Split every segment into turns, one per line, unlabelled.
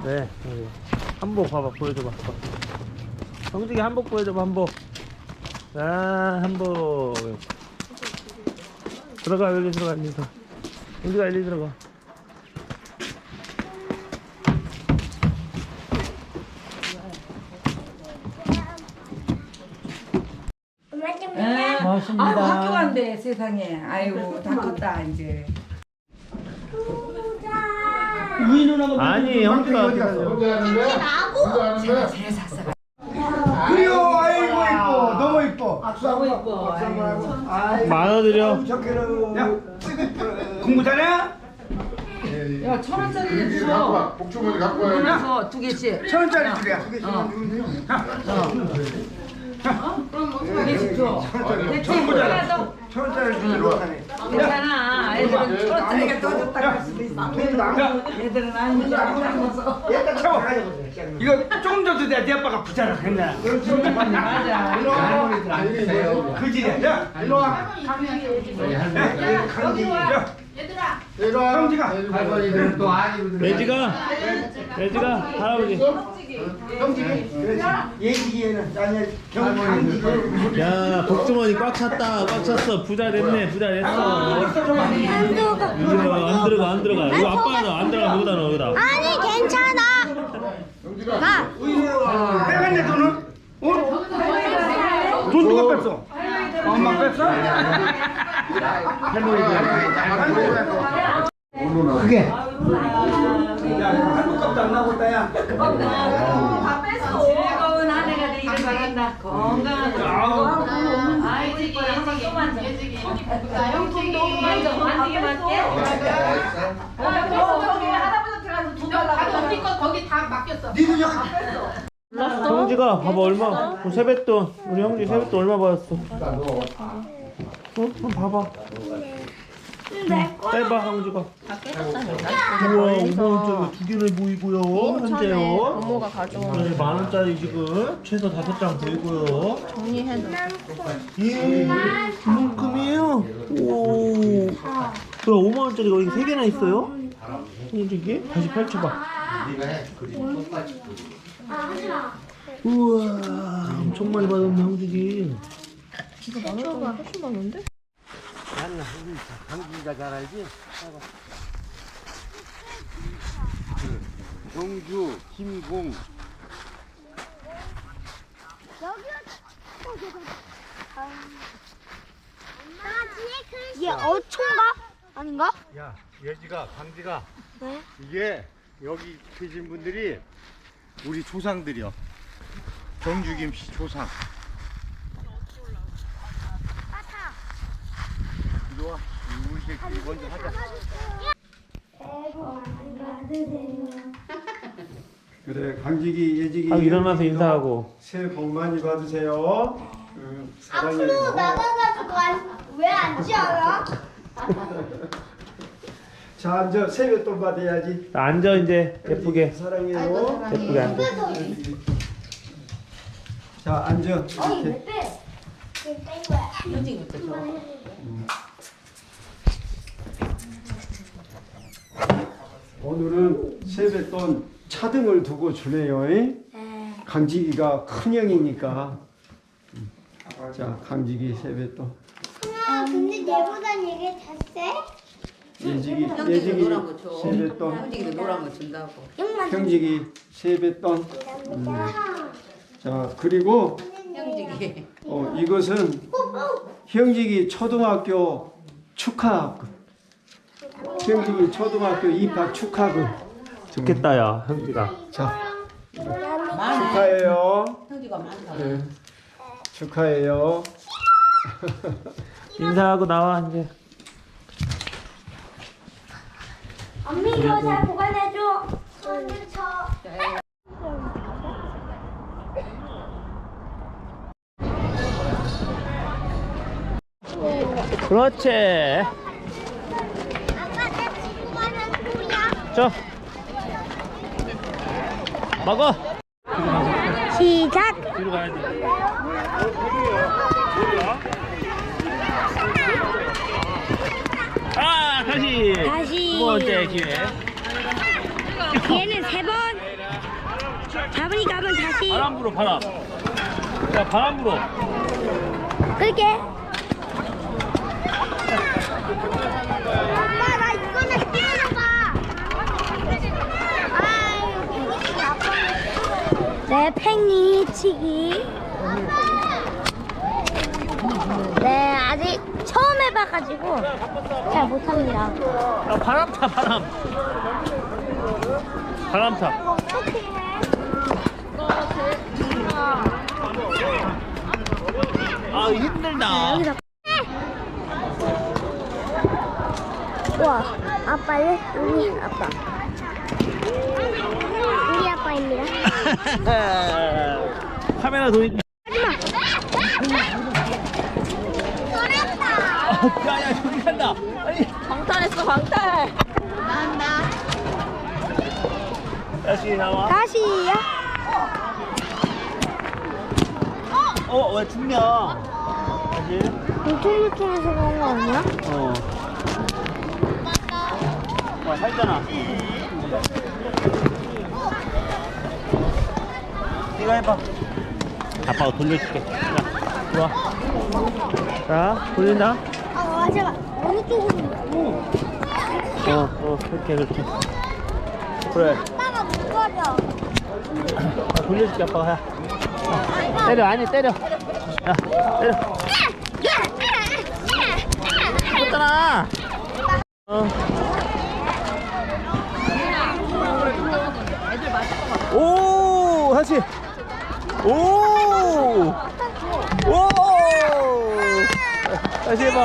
네, 한복 봐봐, 보여줘봐. 성직이 한복 보여줘봐, 한복. 아, 한복. 들어가, 여기 들어가, 여기 들어가. 성직아, 여기 들어가.
고맙습니다. 아이고, 학교 간대 세상에. 아이고 다 컸다 이제.
아니, 형주가 어디 가죠?
제가 제일 삭삭해.
그래요. 아이고 이뻐. 너무 이뻐.
너무 이뻐. 아이고.
만원 드려.
야, 공부 잘해?
야 1,000원짜리 줘.
복주머니 갖고 와야
그래서 2개씩.
1,000원짜리 줄이야.
그럼 2개씩 줘. 대체 뭐라도
1,000원짜리 주려고 하네.
괜찮아. 애들은 1,000원짜리가 더 좋다고 할 수도 있어. 애들은 아니지 않아서.
채워. 이거 조금 더 줘야 네 아빠가 부자라 그랬나?
맞아.
할머니들 안 계세요.
그지네. 야, 일로 와.
저기
와.
얘들아.
형지가.
할머니들은 또 아니거든.
돼지가, 할아버지.
예지기에는 아니
할머니들.
야, 복주머니 꽉 찼다, 꽉 찼어. 부자 됐네, 부자 됐어. 이거 안 들어가. 이거 아빠는 안 들어가, 여기다 넣어, 여기다.
아니 괜찮아. 가.
빼갔네 돈은? 어? 돈 누가 뺐어? 엄마 뺐어? 그게 한국 값도 안 나고 있다야.
다 뺐어. 즐거운 한 해가 되기를 바란다. 건강하고. 아이지 한번 또 만져. 형통도 만져. 만지게 맞게. 할아버지 들어가서 돈 달라고.
언니 거 거기 다 맡겼어.
니도 여기
형지가 봐봐, 얼마. 세뱃돈. 우리 형지 세뱃돈 얼마 받았어? 한번 봐봐. 빼봐, 형지가. 우와, 5만원짜리 두 개를 보이고요. 현재요.
부모가 가져온
네, 만원짜리 지금 최소 5장 보이고요.
정리해놓은
예, 이만큼이에요. 오. 그럼 5만원짜리가 여기 3개나 있어요? 이게? 다시 펼쳐봐. 우와, 엄청 많이 받았네, 형주기.
훨씬 많은데?
나는 강진이가 잘 알지? 경주, 김공.
이게 어촌가? 아닌가?
야, 예지가, 강지가.
네?
이게 여기 계신 분들이 우리 조상들이요. 경주 김씨 조상. 이리 와. 우리 새끼 먼저 하자.
그래 강직이 예직이
아, 일어나서 인사하고.
새해 복 많이 받으세요. 사랑해요.
앞으로 나가가지고 왜 앉지 않아?
자 앉아 세뱃돈 받아야지.
앉아, 이제. 예쁘게.
사랑해요.
예쁘게 앉아.
자 앉아.
어이
이렇게.
왜 빼? 지금 뺀 거야.
현지부터 줘.
오늘은 세뱃돈 차등을 두고 주네요.
네.
강직이가 큰형이니까. 자 강직이 세뱃돈.
근데 얘보단 이게 더 세?
예직이
형지도 노란 거 줘.
세뱃돈.
형지도 노란 거 준다고.
형직이 세뱃돈. 자 그리고
형지기.
이것은 형직이 초등학교 축하금. 형직이 초등학교 입학 축하금.
좋겠다, 야, 형지가.
자
많아.
축하해요.
형지가 많다.
네. 축하해요.
인사하고 나와, 이제.
언니 이거 잘 보관해줘. 손을 쳐.
그렇지.
아빠 내 친구가 한 거야.
저. 먹어.
시작.
뒤로 가야지. 아, 다시.
다시.
두 번째 기회.
기회는 3번. 잡으니까 한번 다시
바람 불어 바람. 야 바람 불어.
끌게. 엄마 나 이거는 띄워줘봐. 네, 팽이치기. 네, 아직 처음 해봐가지고 잘 못합니다.
야 바람 타 바람. 바람 타.
어떻게 해?
아 힘들다.
여기서. 우와, 아빠는 우리 아빠. 우리 아빠입니다.
카메라 돌리.
하지마.
야야 저기 간다. 아니.
광탈했어 광탈.
다시 나와.
다시요?
왜 죽냐? 다시.
울퉁불퉁해서 그런 거 아니야?
와 살잖아. 네가 해봐. 아빠가 돌려줄게. 자, 좋아. 자, 돌린다.
아, 잠깐. 어느 쪽으로?
그렇게. 그래.
아빠가 무거워.
돌려줄게 아빠가. 야. 때려 아니 때려. 야 때려. 죽었잖아. 오 다시. 오. 다시 해봐.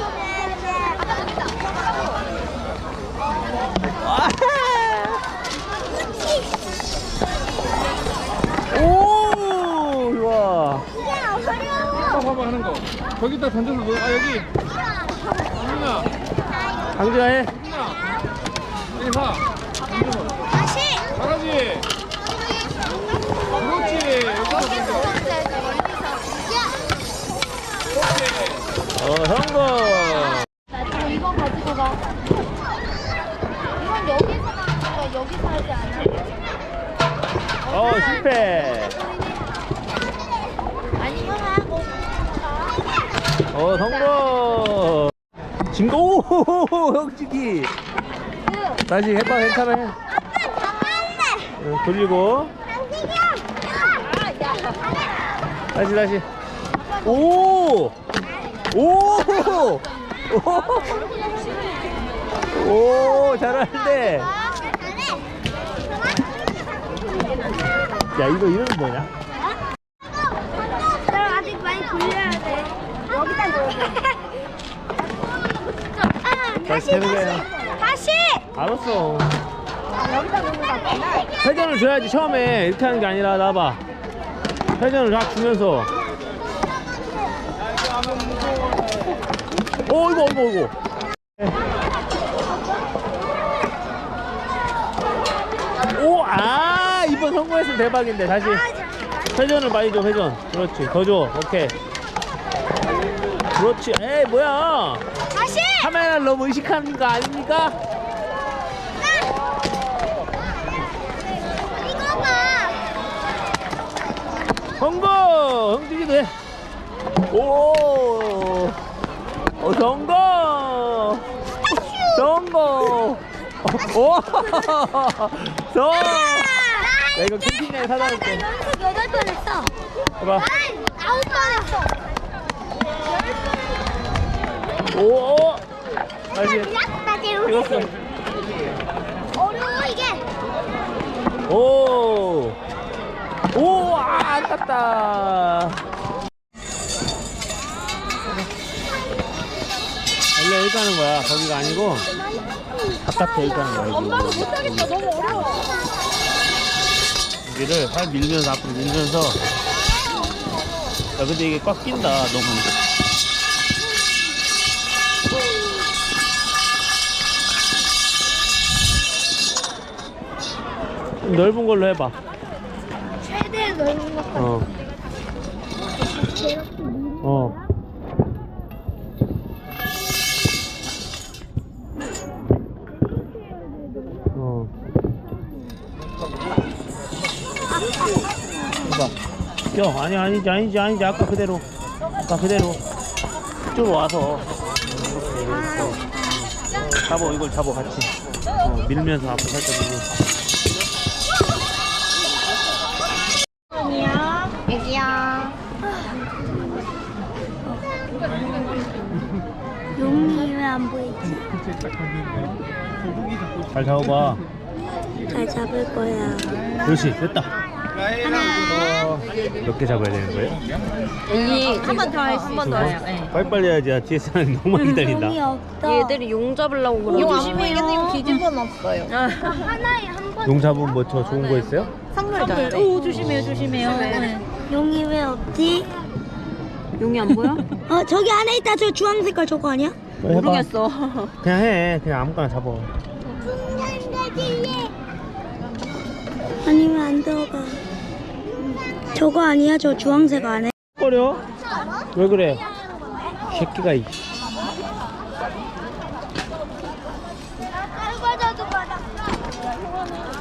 오 좋아.
이게 어려워.
봐봐 하는 거. 저기다 던져서 놓. 아 여기. 민아.
강진아 해.
여기 봐.
다시.
잘하지. 그렇지. 여기다 던져.
성공.
이거 가지고 가. 이건 여기서 나는 거야. 여기서 하지 않아.
실패.
아니면 하고.
성공. 진거 오 형치기. 다시 해봐 괜찮아 해. 돌리고. 다시. 오 잘하는데. 야 이거 이름은 뭐냐?
나 아직 많이 돌려야 돼. 여기다 넣어.
다시 해보세요.
다시.
알았어.
여기다 넣는 거 같구나.
회전을 줘야지 처음에 이렇게 하는 게 아니라 나봐. 회전을 쫙 주면서. 이거. 이번 성공했으면 대박인데 다시. 회전을 많이 줘 회전. 그렇지 더 줘. 오케이. 그렇지. 에이 뭐야.
다시.
카메라를 너무 의식하는 거 아닙니까?
이거 봐.
성공! 형준이도 해. 성공! 성공! 야, 이거 캠핑장에 사다 놓을게.
나 연속 8번 했어.
봐봐.
난 9번 했어.
다시.
나 지금
찍었어.
어려워 이게.
아깝다. 원래 여기 가는 거야. 거기가 아니고 바깥에 여기 가는 거야.
엄마도 못하겠다. 너무 어려워.
여기를 살 밀면서 앞으로 밀면서. 야 근데 이게 꽉 낀다 너무. 좀 넓은 걸로 해봐.
최대 넓은 것 같아.
껴. 아니지. 아까 그대로. 쭉 와서. 잡어, 이걸 잡어, 같이. 밀면서 앞에 살짝 밀고.
애기야. 용이 왜 안 보이지?
잘 잡아봐.
잘 잡을 거야.
그렇지, 됐다. 몇 개 잡아야 되는 거예요?
한 번 더 할 수 있어요.
빨리빨리 해야지. 뒤에 사람이 너무 많이 기다린다.
용이 없다.
얘들이 용 잡으려고 그러고.
용 조심해요.
뒤집어 놨어요.
하나에 한 번.
용 잡으면 뭐 저 좋은 거 있어요?
선물.
오, 조심해요.
용이 왜 없지?
용이 안 보여?
저기 안에 있다. 저 주황 색깔 저거 아니야?
모르겠어.
그냥 해. 그냥 아무거나 잡아.
아니면 안 들어가. 저거 아니야? 저 주황색 안에?
꺼려? 왜 그래? 새끼가 이.
설거지도 받았어.